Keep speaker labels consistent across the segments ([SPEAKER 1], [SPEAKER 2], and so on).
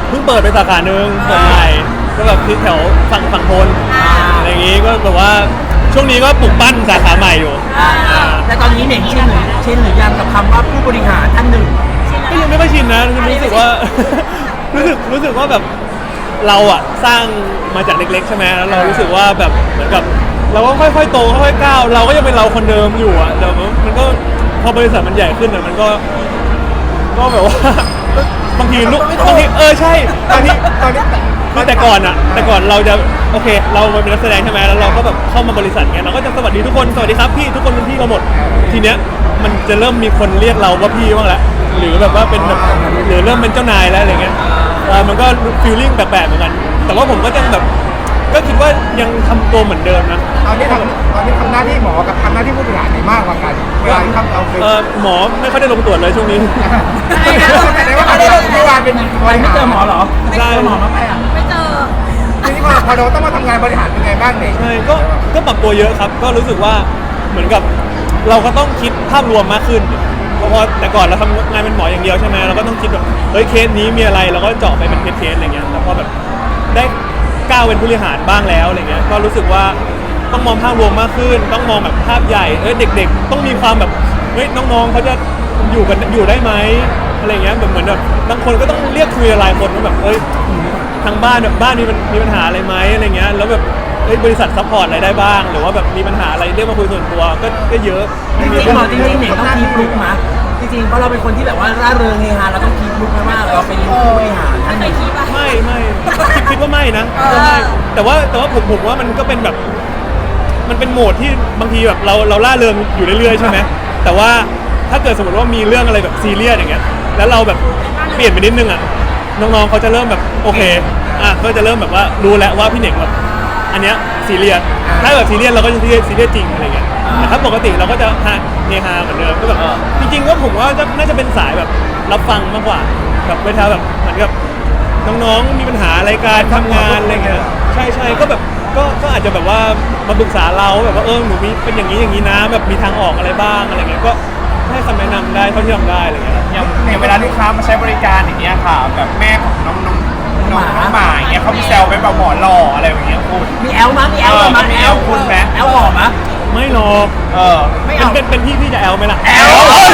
[SPEAKER 1] เพิ่งเปิดไปสาขาหนึ่งเปิดใหม่ก็แบบที่แถวฝั่งทนอะไรอย่างงี้ก็แบบว่าช่วงนี้ก็ปลูกปั้นสาขาใหม่อยู่
[SPEAKER 2] แต่ตอนนี้เนี่ยชินหรือยังกับคำว่าผู้บริหารท่านหนึ่ง
[SPEAKER 1] ก็ยังไม่ค่อยชินนะรู้สึกว่า รู้สึกว่าแบบเราอะสร้างมาจากเล็กๆใช่ไหมแล้วเรารู้สึกว่าแบบเหมือนกับเราก็ค่อยๆโตค่อยๆก้าวเราก็ยังเป็นเราคนเดิมอยู่อะแต่มันก็พอบริษัทมันใหญ่ขึ้นอะมันก็แบบว่าบางทีใช่บางทีคือแต่ก่อนเราจะโอเคเราเป็นนักแสดงใช่ไหมแล้วเราก็แบบเข้ามาบริษัทเงี้ยเราก็จะสวัสดีทุกคนสวัสดีครับพี่ทุกคนเป็นพี่เราหมดทีเนี้ยมันจะเริ่มมีคนเรียกเราว่าพี่บ้างแล้วหรือแบบว่าเป็นแบบหรือเริ่มเป็นเจ้านายแล้วอะไรเงี้ยมันก็ฟีลลิ่งแปลกๆเหมือนกันแต่ว่าผมก็ยังแบบก็คิดว่ายังทำตัวเหมือนเดิมนะ
[SPEAKER 3] ตอนนี้ทำหน้าที่หมอกับทำหน้าที่ผู้บริหารไหนมากกว่ากันเวลาที่เราเคย
[SPEAKER 1] หมอไม่ค่อยได้ลงตรวจเลยช่วงนี้
[SPEAKER 3] ใช่นะแต่ว่าเมื่อวานเป็นบริหาร
[SPEAKER 2] ไม่เจอหมอเหรอ
[SPEAKER 1] ใช่
[SPEAKER 2] หมอมาไปอ่ะ
[SPEAKER 4] ไม่เจอ
[SPEAKER 3] ทีนี้พอเราต้องมาทำงานบริหารเป็นไงบ้างเนี่ย
[SPEAKER 1] ใช่ก็ปรับตัวเยอะครับก็รู้สึกว่าเหมือนกับเราก็ต้องคิดภาพรวมมากขึ้นเพราะแต่ก่อนเราทำงานเป็นหมออย่างเดียวใช่ไหมเราก็ต้องคิดแบบเฮ้ยเคสนี้มีอะไรเราก็เจาะไปเป็นเคสอะไรเงี้ยแต่พอแบบได้ก้าวเป็นผู้บริหารบ้างแล้วอะไรเงี้ยก็รู้สึกว่าต้องมองภาพรวมมากขึ้นต้องมองแบบภาพใหญ่เด็กๆต้องมีความแบบเฮ้ยน้องๆเขาจะอยู่ได้ไหมอะไรเงี้ยแบบเหมือนแบบบางคนก็ต้องเรียกคุยอะไรคนว่าแบบทางบ้านแบบบ้านมีปัญหาอะไรไหมอะไรเงี้ยแล้วแบบบริษัทซัพพอร์ตอะไรได้บ้างหรือว่าแบบมีปัญหาอะไรเรียกมาคุยส่วนตัวก็เยอะ
[SPEAKER 2] จริงๆหมอจริงๆเนี่ยต้องคีบลุกนะจริงๆเพราะเราเป็นคนที่แบบว่าร่าเริงเฮฮาเราต้องคีบลุกนะว่าเราเป็นผู้บริหารท่านไหน
[SPEAKER 1] ไม่คิดว่าไม่นะแต่ว่าผมว่ามันก็เป็นแบบมันเป็นโหมดที่บางทีแบบเราล่าเริงอยู่เรื่อยๆใช่ไหมแต่ว่าถ้าเกิดสมมติว่ามีเรื่องอะไรแบบซีเรียสอย่างเงี้ยแล้วเราแบบเปลี่ยนไปนิดนึงอ่ะน้องๆเขาจะเริ่มแบบโอเคก็จะเริ่มแบบว่ารู้แล้วว่าพี่เหน่งแบบอันเนี้ยซีเรียสถ้าแบบซีเรียสเราก็จะซีเรียสจริงอะไรเงี้ยแต่ถ้าปกติเราก็จะเฮฮาเหมือนเดิมก็แบบจริงๆก็ผมว่าน่าจะเป็นสายแบบรับฟังมากกว่าแบบเวลาแบบเหมือนกับน้องๆมีปัญหาอะไรการทำงานอะไรเงี้ยใช่ก็แบบก็อาจจะแบบว่ามาปรึกษาเราแบบว่าหนูมีเป็นอย่างนี้นะแบบมีทางออกอะไรบ้างอะไรเงี้ยก็ให้คำแนะนำได้เท่าที่ทำได้อะไรเงี้ย
[SPEAKER 3] อย่างเวลาลูกค้ามาใช้บริการอย่างเงี้ยค่ะแบบแม่ของน้องหมาอย่างเงี้ยเขามีแซวเป็นแบบหมอหล่ออะไรอย่างเงี้ยคุณ
[SPEAKER 2] มีแอลมั้ยมีแอล
[SPEAKER 3] คุณไหม
[SPEAKER 2] แอลหล่อมั้ย
[SPEAKER 1] ไม่หรอกไม่เอาเป็นพี่จะแอลไหมล่ะ
[SPEAKER 3] แอล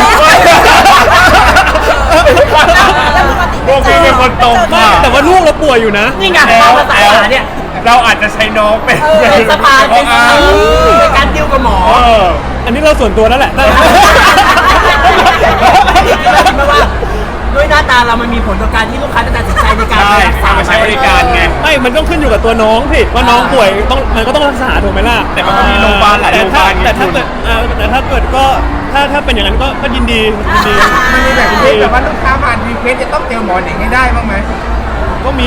[SPEAKER 3] พวกพี่เป็นคนตรงมาก
[SPEAKER 1] แต่ว่าลูกเราป่วยอยู่นะ
[SPEAKER 2] นี่ไงภาษาเนี่ย
[SPEAKER 3] เราอาจจะใช้น้องเป็น
[SPEAKER 2] สะพานเป็นการดิวกับหมอ
[SPEAKER 1] อันนี้เราส่วนตัวนั่นแหละ
[SPEAKER 2] ไม่ว่าด้วยหน้าตาเรามันมีผลต่อการที่ลูกค้าจะตัดสินใจในการรักษา
[SPEAKER 3] ใช้บริการไง
[SPEAKER 1] ไม่มันต้องขึ้นอยู่กับตัวน้องสิว่าน้องป่วยมันก็ต้องรักษาถูกไหมล่ะ
[SPEAKER 3] แต่มันก็มีโรงพยาบาลหลายโรงพยาบาล
[SPEAKER 1] แต่ถ้าเกิดก็ถ้าเป็นอย่างนั้นก็ยินดี
[SPEAKER 3] มันมีแบบนี้แต่ว่าลูกค้าผ่านรีเควสจะต้องเจอหมอเด็กให้ได้บ้างไหม
[SPEAKER 1] ก็มี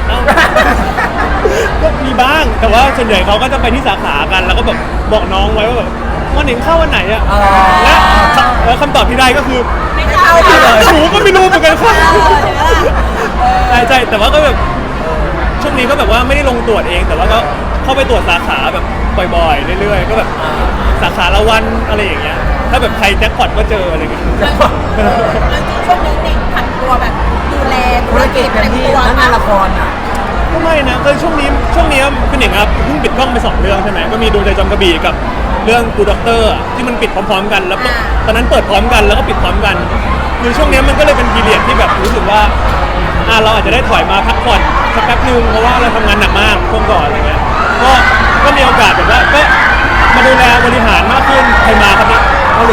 [SPEAKER 1] ก็มีบ้างแต่ว่าส่วนใหญ่เขาก็จะไปที่สาขากันแล้วก็แบบบอกน้องไว้ว่าแบบวันหนึ่งเข้าวันไหนอะแล้วคำตอบที่ได้ก็คือ
[SPEAKER 4] ไม่เข้า
[SPEAKER 1] หนูก็ไม่รู้เหมือนกันครับใช่แต่ว่าก็แบบช่วงนี้ก็แบบว่าไม่ได้ลงตรวจเองแต่ว่าก็เข้าไปตรวจสาขาแบบบ่อยๆเรื่อยๆก็แบบสาขาละวันอะไรอย่างเงี้ยถ้าแบบใครแจ็คพอตก็เจออะไรเงี้ย
[SPEAKER 4] ช่วงนี้เด็กผันตัวแบบดูแล
[SPEAKER 2] ธุรกิจแบบที่ทั้งงานละครอ่ะ
[SPEAKER 1] ก็ไม่นะคือช่วงนี้คือหนิงครับเพิ่งปิดกล้องไป2 เรื่องใช่ไหมก็มีดวงใจจอมกระบี่กับเรื่องกูด็อกเตอร์ที่มันปิดพร้อมๆกันแล้วตอนนั้นเปิดพร้อมกันแล้วก็ปิดพร้อมกันคือช่วงนี้มันก็เลยเป็นพีเรียดที่แบบรู้สึกว่าเราอาจจะได้ถอยมาพักผ่อนสักแป๊บนึงเพราะว่าเราทำงานหนักมากช่วงก่อนอะไรเงี้ยก็มีโอกาสแบบว่าก็มาดูแลบริหารมากขึ้นใครมาครับเนี่ย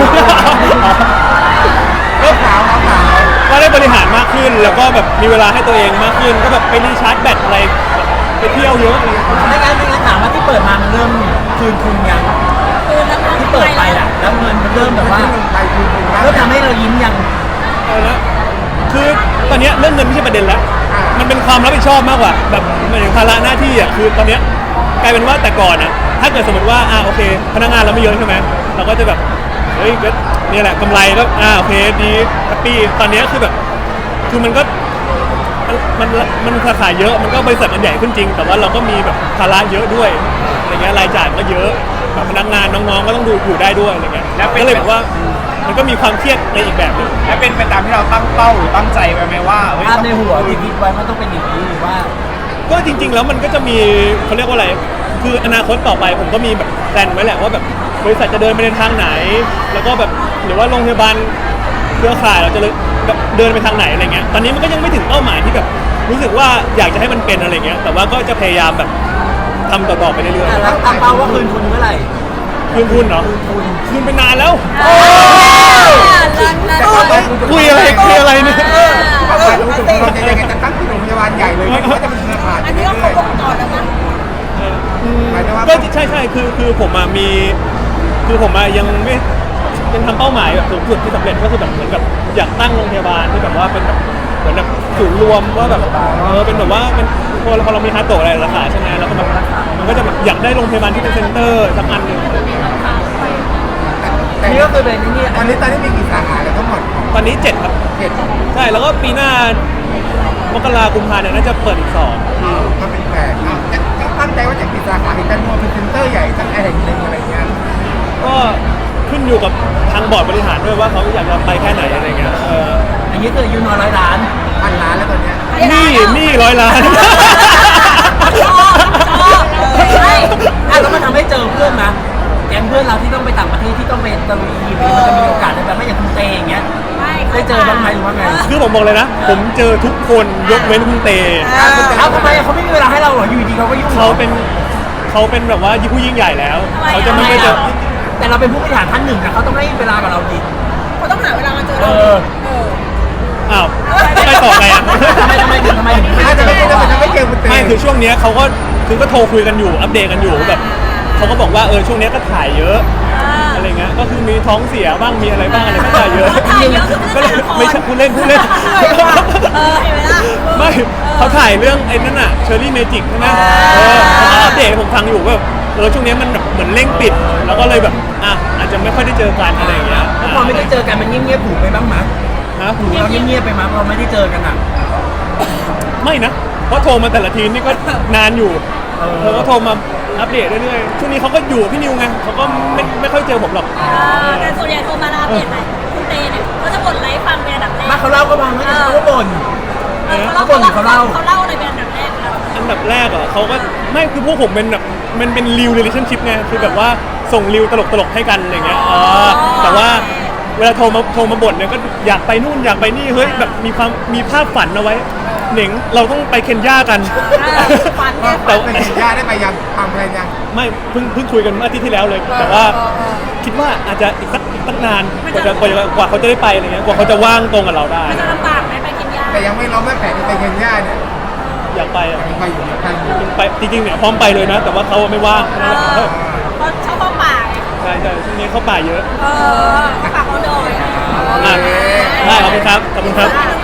[SPEAKER 1] ก็ได้บริหารมากขึ้นแล้วก็แบบมีเวลาให้ตัวเองมากขึ้นก็แบบไปรีชาร์จแบตอะไรไปเที่ยวเยอะ
[SPEAKER 2] ไม่งั้นถามว่าที่เปิดมามันเริ่มคืนทุนยังที่เปิดไปอ่ะแล้วเงินมันเริ่มแบบว่าเริ่มทำให้เรายิ้มยัง
[SPEAKER 1] คือตอนนี้เรื่องเงินไม่ใช่ประเด็นแล้วมันเป็นความรับผิดชอบมากกว่าแบบเหมือนภาระหน้าที่อ่ะคือตอนนี้กลายเป็นว่าแต่ก่อนอ่ะถ้าเกิดสมมติว่าโอเคพนักงานเราไม่เยอะใช่ไหมเราก็จะแบบเฮ้ยก็นี่แหละกำไรก็โอเคดีแฮปปี้ตอนนี้คือแบบคือมันก็มันสาขาเยอะมันก็บริษัทมันใหญ่ขึ้นจริงแต่ว่าเราก็มีแบบภาระเยอะด้วยอะไรเงี้ยรายจ่ายก็เยอะแบบพนักงานน้องๆก็ต้องดูอยู่ได้ด้วยอะไรเงี้ยก็เลยแบบว่ามันก็มีความเครียดในอีกแบบหนึง
[SPEAKER 3] และเป็นไปตามที่เราตั้งเป้าหรือตั้งใจไว้ไหมว่าเฮ้ย
[SPEAKER 2] ภาพในหัวที่คิดไว้มันต้องเป็นอย่างนี้หรือว่า
[SPEAKER 1] ก็จริง ๆ แล้วมันก็จะมีเขาเรียกว่าอะไร คืออนาคตต่อไปผมก็มีแบบแพลนไว้แหละว่าแบบบริษัทจะเดินไปในทางไหน แล้วก็แบบหรือว่าโรงพยาบาลเครือข่ายเราจะแบบเดินไปทางไหนอะไรเงี้ย ตอนนี้มันก็ยังไม่ถึงเป้าหมายที่แบบรู้สึกว่าอยากจะให้มันเป็นอะไรเงี้ย แต่ว่าก็จะพยายามแบบทำต่อๆไปเรื่อย
[SPEAKER 2] แล้วตั้งเป้าว่าคืนทุนเมื่อไหร่
[SPEAKER 1] ๆคืนทุนเนาะคืนไปนานแล้ว คุยอะไรเนี่ย
[SPEAKER 5] เป้าหมายสูงสุดของเราจะยังไงจะตั้งที่โรงพยาบาลใหญ่เลยไหมหรือว่าจะเป็นเครือข่าย
[SPEAKER 4] อันนี้ก็ครบวงจรแล้วนะ
[SPEAKER 5] หมายถึงว่า
[SPEAKER 1] ก็ใช่คือผมอะมีคือผมอะยังไม่ยังทำเป้าหมายแบบสูงสุดที่สำเร็จก็คือแบบเหมือนกับอยากตั้งโรงพยาบาลที่แบบว่าเป็นแบบเหมือนแบบศูนย์รวมว่าแบบเป็นแบบว่าเป็นพอเรามีฮาร์ดโตะอะไรราคาใช่ไหมแล้วก็แบบมันก็จะแบบอยากได้โรงพยาบาลที่เป็นเซ็นเตอร์สักอันหนึ่ง
[SPEAKER 2] อันนี้ก็คือเป็นนี่
[SPEAKER 5] ตอนนี้มีกี่สาขาแล้วทั้งหมด
[SPEAKER 1] ตอนนี้7ครับ
[SPEAKER 5] เจ็ด
[SPEAKER 1] ใช่แล้วก็ปีหน้ามกราคมกุมภาเนี่ยน่าจะเปิดอีก2
[SPEAKER 5] ก็เป็นแปดจะตั้งใจว่าจะกี่สาขาเห็นกันมัวเป็นเซ็นเตอร์ใหญ่สักแห่งหนึ่งอะไรเงี้ย
[SPEAKER 1] ก็ขึ้นอยู่กับทางบอร์ดบริหารด้วยว่าเขาอยากจะไปแค่ไหนอะไรเงี้ย
[SPEAKER 2] อันนี้คืออายุน้อย100 ล้าน
[SPEAKER 5] 1,000 ล้านแล้วตอนเนี้ย
[SPEAKER 1] นี่100 ล้าน
[SPEAKER 2] แล้วมันทำให้เจอเพื่อนนะแก๊งเพื่อนเราที่ต้องไปต่างประเทศที่ต้องไปตะลุยอีเวนต์มันจะมีโอกาสได้แบบไม่อย่างคุณเตอย่างเงี้ยได้เจอบ้างไหมหรือว่าไง
[SPEAKER 1] คือผมบอกเลยนะ ผมเจอทุกคนยกเว้นคุณเต
[SPEAKER 2] เอ้าทำไมเขาไม่มีเวลาให้เราเหรออยู่ดีเขาก็ยุ่ง
[SPEAKER 1] เขาเป็นแบบว่าผู้ยิ่งใหญ่แล้ว เขาจะไม่ไปเจอ
[SPEAKER 2] แต่เราเป็นผู้บริหารท่านหนึ่งนะเขาต้องให้เวลากับเราดี
[SPEAKER 4] เขาต้องหาเวลามาเจอ
[SPEAKER 2] เอ
[SPEAKER 4] เรา
[SPEAKER 2] อ
[SPEAKER 1] อ้าวไปต่อไงอ่ะ
[SPEAKER 2] ทำไมถึง
[SPEAKER 5] น่าจะไม่เจอคุณเต้
[SPEAKER 1] ไม่คือช่วงเนี้ยเขาก็โทรคุยกันอยู่อัปเดตกันอยู่แบบเขาก็บอกว่าช่วงเนี้ยก็ถ่ายเยอะอะไรเงี้ยก็คือมีท้องเสียบ้างมีอะไรบ้างอะไรก็ถ่ายเยอะ
[SPEAKER 4] ถ่ายเยอะคือ
[SPEAKER 1] ก็เลยไม่ใช่พูดเล่น
[SPEAKER 4] เห็นไหมล่ะ
[SPEAKER 1] ไม่เขาถ่ายเรื่องไอ้นั่นอะเชอร์รี่เมจิกใช่ไหมเขาก็อัปเดตให้ผมฟังอยู่ว่าแบบช่วงนี้มันแบบเหมือนเร่งปิด แล้วก็เลยแบบอาจจะไม่ค่อยได้เจอกันอะไรอย่างเงี้ย
[SPEAKER 2] แล้วพอไม่ได้เจอกันมันเงียบๆผูกไปบ้างมั้ย
[SPEAKER 1] นะ
[SPEAKER 2] ผูกเราเงียบๆไปมั้ยเราไม่ได้เจอกันอ่ะ
[SPEAKER 1] ไม่นะเพราะโทรมาแต่ละทีนี่ก็นานอยู่เขาก็โทรมาอัปเดตเรื่อยๆช่วงนี้เขาก็อยู่กับพี่นิวไงเขาก็ไม่ค่อยเจอผมหรอก
[SPEAKER 4] แต่ส่วนใหญ่โทรมาแล้วอัปเดตไหนคุณเตเนี่ยเขาจะบ่นอะไรให้ฟังเป็นอันดับแรก
[SPEAKER 2] มาเขาเล่าก็ฟังไม่ใช่เขาก็บ่น
[SPEAKER 4] เขาเล่าอะไรเป็นอันดับแรกแล้ว
[SPEAKER 1] อันดับแรกเขาก็ไม่คือพวกผมเป็นแบบมันเป็นรีวเรลชั่นชิพไงคือแบบว่าส่งรีวตลกๆให้กันอะไรเงี้ยแต่ว่าเวลาโทรมาบ่นเนี่ยก็อยากไปนู่นอยากไปนี่เฮ้ยแบบมีภาพฝันเอาไว้เหน่งเราต้องไปเคนยากัน
[SPEAKER 4] ฝันเนี่ย
[SPEAKER 1] แต่
[SPEAKER 5] เป็นญาติได้ไปยังทำอะไรยัง
[SPEAKER 1] ไม่เพิ่งคุยกันเมื่ออาทิตย์ที่แล้วเลย แต่ว่าคิดว่าอาจจะอีกสักนานกว่าเขาจะได้ไปอะไรเงี้ยกว่าเขาจะว่างตรงกับเราได้
[SPEAKER 4] มันจะลำบากไหมไปกินยา
[SPEAKER 5] แต่ยังไม่ล้มแม่แผนไปเคนยาเนี่ย
[SPEAKER 1] อยากไปอ่ะ
[SPEAKER 5] ยังไปอยู่ยังไปอยู่
[SPEAKER 1] ไปจริงๆเนี่ยพร้อมไปเลยนะ แต่ว่าเขาไม่ว่าง
[SPEAKER 4] เพราะชอบเข้าป่าไง
[SPEAKER 1] ใช่ช่วงนี้เขาป่าเยอะ
[SPEAKER 4] เข้าป่าเขาโดย
[SPEAKER 1] ได้ขอบคุณครับ